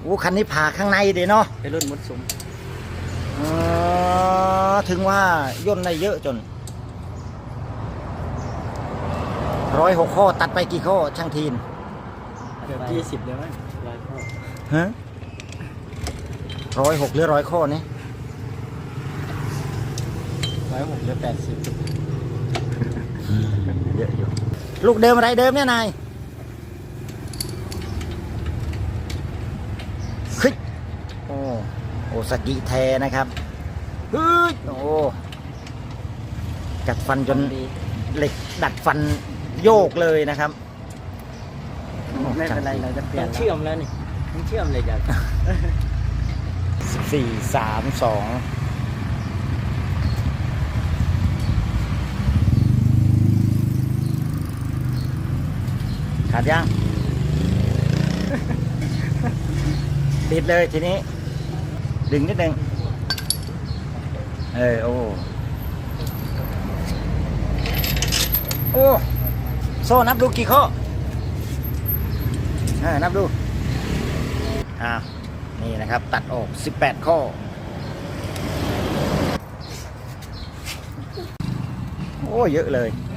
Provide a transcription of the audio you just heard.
อ้คันนี้ผ่าข้างในเดี๋ยวเนาะเป็นรุ่นมุดซุ้มถึงว่าย่นได้เยอะจน106 ข้อตัดไปกี่ข้อช่างทีนเกือบ20เลยมั้ง100 ข้อฮะ106หรือ100 ข้อนี่ 106หรือ80 เยอะอยู่ลูกเดิมอะไรเดิมเนี่ยนายคึยโอซากิแทนะครับฮึยโอ้กัดฟันจนดีเหล็กดัดฟันโยกเลยนะครับไม่เป็นไรเราจะเปลี่ยนเชื่อมแล้วนี่ต้องเชื่อมเลยจ้ะ 4 3 2ขาดยัง ติดเลยทีนี้ ดึงนิดนึงโอ้โอ้โซ่นับดูกี่ข้อนับดูนี่นะครับตัดออก18 ข้อโอ้เยอะเลย